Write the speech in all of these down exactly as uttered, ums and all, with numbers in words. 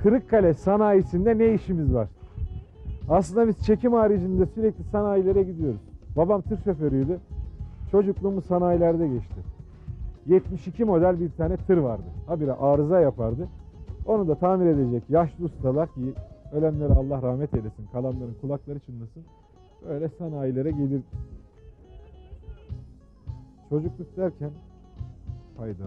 Kırıkkale sanayisinde ne işimiz var? Aslında biz çekim haricinde sürekli sanayilere gidiyoruz. Babam tır şoförüydü. Çocukluğumuz sanayilerde geçti. yetmiş iki model bir tane tır vardı. Habire arıza yapardı. Onu da tamir edecek yaşlı ustalar ki ölenlere Allah rahmet eylesin, kalanların kulakları çınlasın. Öyle sanayilere gelir. Çocukluk derken hayda.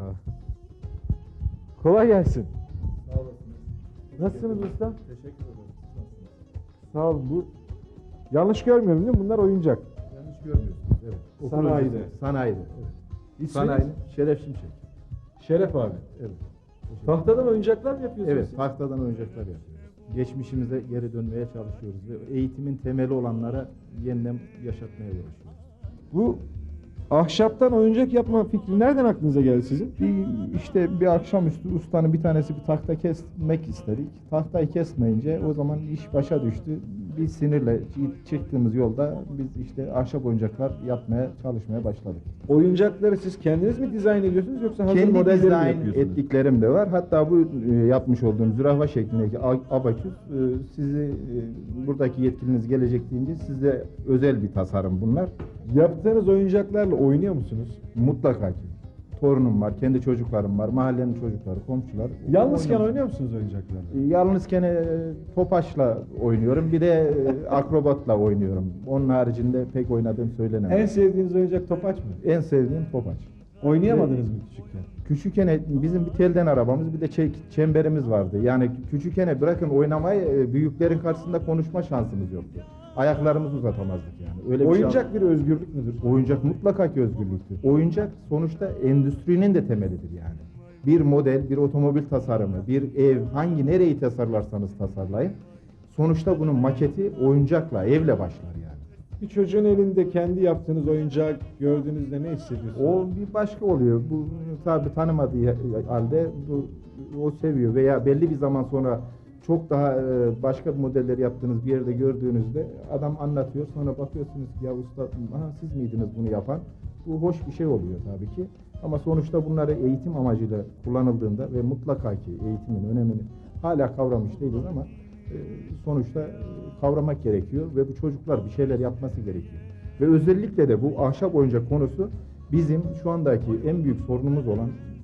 Kolay gelsin. Sağ olasınız. Nasılsınız usta? Teşekkür ederim. Nasılsınız? Sağ olun. Bu yanlış görmüyorum değil mi? Bunlar oyuncak. Yanlış görmüyorsunuz. Evet. Okul Sanayide. öncesi. Sanayide. Evet. İsminiz? Sanayide. Şeref Şimşek. Şeref abi. Evet. Tahtadan oyuncaklar mı yapıyorsunuz? Evet. siz? Tahtadan oyuncaklar yapıyoruz. Geçmişimize geri dönmeye çalışıyoruz ve eğitimin temeli olanlara yeniden yaşatmaya uğraşıyoruz. Bu ahşaptan oyuncak yapma fikri nereden aklınıza geldi sizin? Bir, işte bir akşamüstü ustanın bir tanesi bir tahta kesmek istedik. Tahtayı kesmeyince o zaman iş başa düştü. Bir sinirle çıktığımız yolda biz işte ahşap oyuncaklar yapmaya çalışmaya başladık. Oyuncakları siz kendiniz mi dizayn ediyorsunuz yoksa hazır Kendi modelleri mi dizayn yapıyorsunuz? ettiklerim de var. Hatta bu e, yapmış olduğum zürafa şeklindeki a- abaküs e, sizi e, buradaki yetkiliniz gelecek deyince size özel bir tasarım bunlar. Yaptığınız oyuncaklarla oynuyor musunuz? Mutlaka ki. Torunum var, kendi çocuklarım var, mahallenin çocukları, komşular. Yalnızken Oynuyoruz. oynuyor musunuz oyuncaklarla? E, Yalnızken e, topaçla oynuyorum. Bir de e, akrobatla oynuyorum. Onun haricinde pek oynadığım söylenemez. En sevdiğiniz oyuncak topaç mı? En sevdiğim topaç. Oynayamadınız mı küçükken? Küçükken bizim bir telden arabamız bir de çe- çemberimiz vardı. Yani küçükken bırakın oynamayı e, büyüklerin karşısında konuşma şansımız yoktu. Ayaklarımızı uzatamazdık yani. Öyle bir Oyuncak şey. bir özgürlük müdür? Oyuncak mutlaka ki özgürlüktür. Oyuncak sonuçta endüstrinin de temelidir yani. Bir model, bir otomobil tasarımı, bir ev, hangi nereyi tasarlarsanız tasarlayın. Sonuçta bunun maketi oyuncakla, evle başlar yani. Bir çocuğun elinde kendi yaptığınız oyuncak gördüğünüzde ne hissediyorsunuz? O bir başka oluyor. Bu tabi tanımadığı halde bu, o seviyor veya belli bir zaman sonra çok daha e, başka modelleri yaptığınız bir yerde gördüğünüzde adam anlatıyor. Sonra bakıyorsunuz ki ya usta aha, siz miydiniz bunu yapan? Bu hoş bir şey oluyor tabii ki. Ama sonuçta bunları eğitim amacıyla kullanıldığında ve mutlaka ki eğitimin önemini hala kavramış değiliz ama e, sonuçta e, kavramak gerekiyor ve bu çocuklar bir şeyler yapması gerekiyor. Ve özellikle de bu ahşap oyuncak konusu bizim şu andaki en büyük sorunumuz olan,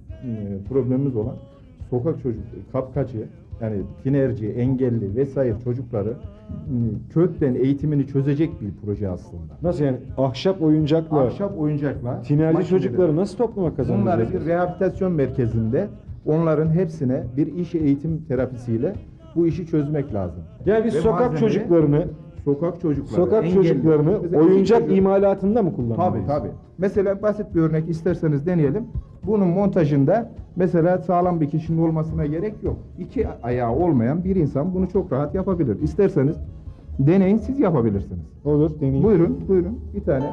e, problemimiz olan sokak çocuk, kapkaçı, yani tinerci, engelli vesaire çocukları e, kökten eğitimini çözecek bir proje aslında. Nasıl yani ahşap oyuncakla Ahşap oyuncakla tinerci makineleri- çocukları nasıl topluma Bunları kazandıracağız? bir rehabilitasyon merkezinde onların hepsine bir iş eğitim terapisiyle bu işi çözmek lazım. Yani biz Ve sokak malzemeyi- çocuklarını Sokak çocukları, sokak engelli- çocuklarını Mesela oyuncak çocuk- imalatında mı kullanmalıyız? Tabii tabii. Mesela basit bir örnek isterseniz deneyelim. Bunun montajında mesela sağlam bir kişinin olmasına gerek yok. İki ayağı olmayan bir insan bunu çok rahat yapabilir. İsterseniz deneyin, siz yapabilirsiniz. Olur, deneyim. Buyurun, buyurun. Bir tane.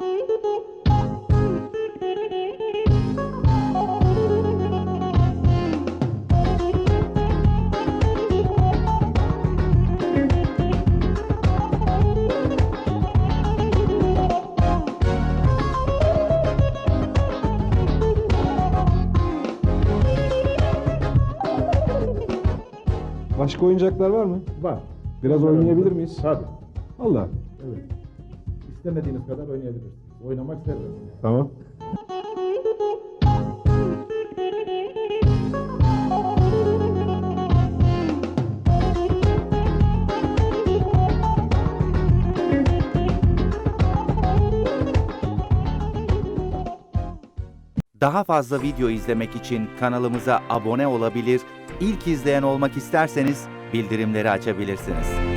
Başka oyuncaklar var mı? Var. Biraz Onları- oynayabilir miyiz? Tabii. Allah. Evet. İstemediğiniz kadar oynayabilirsiniz. Oynamak serbest. Tamam. Daha fazla video izlemek için kanalımıza abone olabilir, ilk izleyen olmak isterseniz bildirimleri açabilirsiniz.